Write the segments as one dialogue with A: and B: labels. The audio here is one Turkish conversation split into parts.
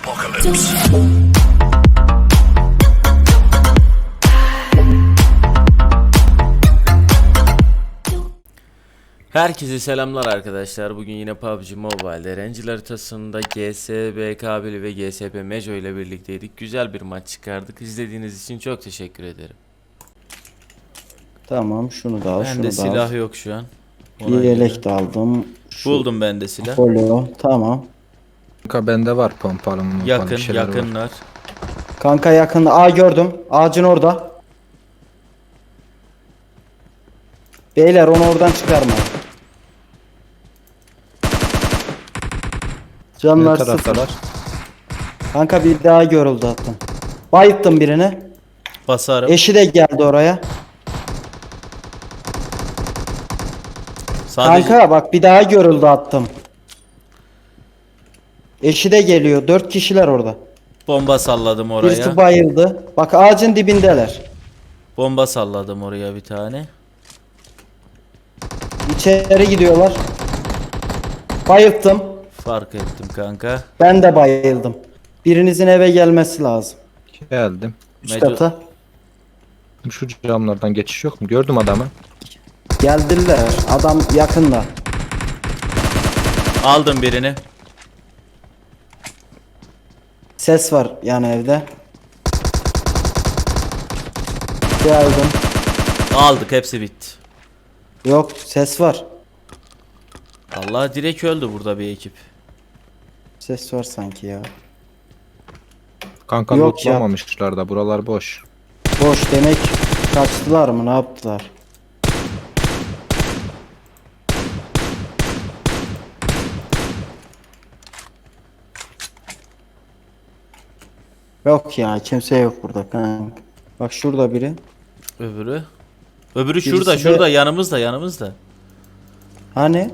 A: apocalypse.
B: Herkese selamlar arkadaşlar. Bugün yine PUBG Mobile'de Ranger haritasında GSBK1 ve GSP Mejo ile birlikteydik. Güzel bir maç çıkardık. İzlediğiniz için çok teşekkür ederim.
C: Tamam, şunu da al,
B: Bende
C: şunu da
B: silah
C: al.
B: yok şu an.
C: Bir yelek de aldım.
B: Buldum ben de silah.
C: Folyo, tamam.
D: Kanka bende var pompalı mı?
B: Yakın, yakınlar.
C: Kanka yakında. Gördüm. Ağacın orada. Beyler onu oradan çıkarma. Canlar
D: Ne
C: sıfır.
D: taraftalar?
C: Kanka bir daha görüldü hatta. Bayıttım birini.
B: Basarım.
C: Eşi de geldi oraya.
B: Sadece
C: Kanka bak bir daha görüldü attım. Eşi de geliyor. 4 kişiler orada.
B: bomba salladım
C: Birisi
B: oraya.
C: bayıldı. Bak ağacın dibindeler.
B: Bomba salladım oraya bir tane.
C: İçeri gidiyorlar. Bayılttım.
B: Fark ettim kanka.
C: Ben de bayıldım. Birinizin eve gelmesi lazım.
D: Geldim.
C: Üst
B: Meco-
C: kata.
D: Şu camlardan geçiş yok mu? Gördüm adamı.
C: Geldiler. Adam yakında.
B: Aldım birini.
C: Ses var yani evde. Geldim.
B: Aldık, hepsi bitti.
C: Yok, ses var.
B: Allah, direkt öldü burada bir ekip.
C: Ses var sanki ya.
D: Kanka
C: Yok ya.
D: lootlamamışlar da buralar boş.
C: Boş demek. Kaçtılar mı, ne yaptılar? Yok ya, kimse yok burada kanka. Bak şurada biri.
B: Öbürü. Öbürü
C: Birisi
B: şurada,
C: de-
B: şurada yanımızda.
C: Hani?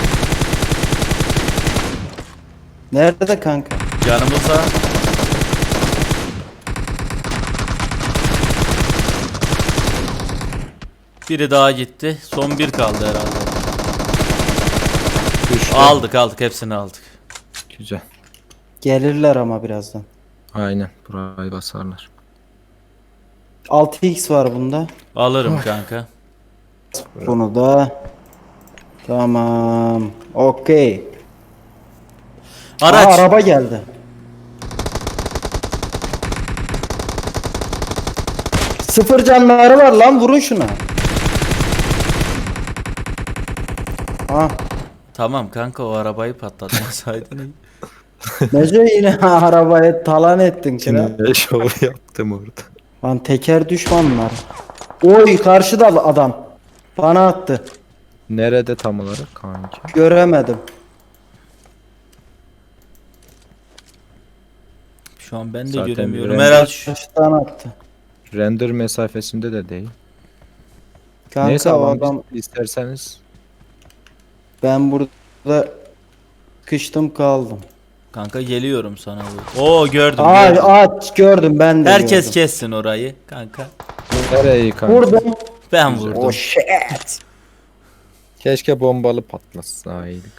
C: Nerede kanka?
B: Yanımızda. Biri daha gitti. Son bir kaldı herhalde.
D: Düştü.
B: Aldık, hepsini aldık.
D: Güzel.
C: Gelirler ama birazdan.
D: Aynen. Burayı basarlar.
C: 6x var bunda.
B: Alırım kanka.
C: Bunu da. Tamam. Okey.
B: Araç.
C: Araba geldi. Sıfır canları var lan, vurun şuna. Ah,
B: Tamam kanka, o arabayı patlatmasaydın.
C: Neco yine arabaya talan ettin kira.
D: Ne şov yaptım orada.
C: Lan teker düşmanlar. Oy, karşıda adam. Bana attı.
D: Nerede tam olarak kanki?
C: Göremedim.
B: Şu an ben de
D: Zaten
B: göremiyorum.
D: bir
B: Herhalde
C: Karşıdan attı.
D: Render mesafesinde de değil.
C: Kanka
D: Neyse
C: o
D: alan
C: adam,
D: isterseniz.
C: ben burada kıştım kaldım.
B: kanka geliyorum sana. Oo, gördüm.
C: Aç gördüm, ben de
B: Herkes
C: gördüm.
B: kessin orayı kanka.
D: Nereye kanka?
C: Vurdum.
B: Ben vurdum.
C: Oh shit.
D: Keşke bombalı patlasaydık.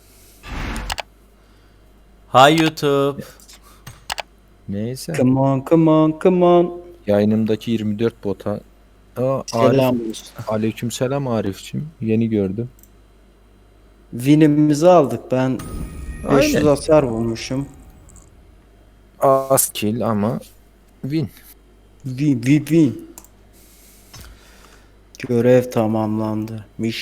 B: Hi YouTube.
D: Neyse.
C: Come on, come on, come on.
D: Yayınımdaki 24 bota.
C: Selam.
D: Aleykümselam Arif'cim. Yeni gördüm.
C: Win'imizi aldık. Ben 500
D: Aynen.
C: hasar bulmuşum.
D: Az kill ama win.
C: Win. Görev tamamlandı.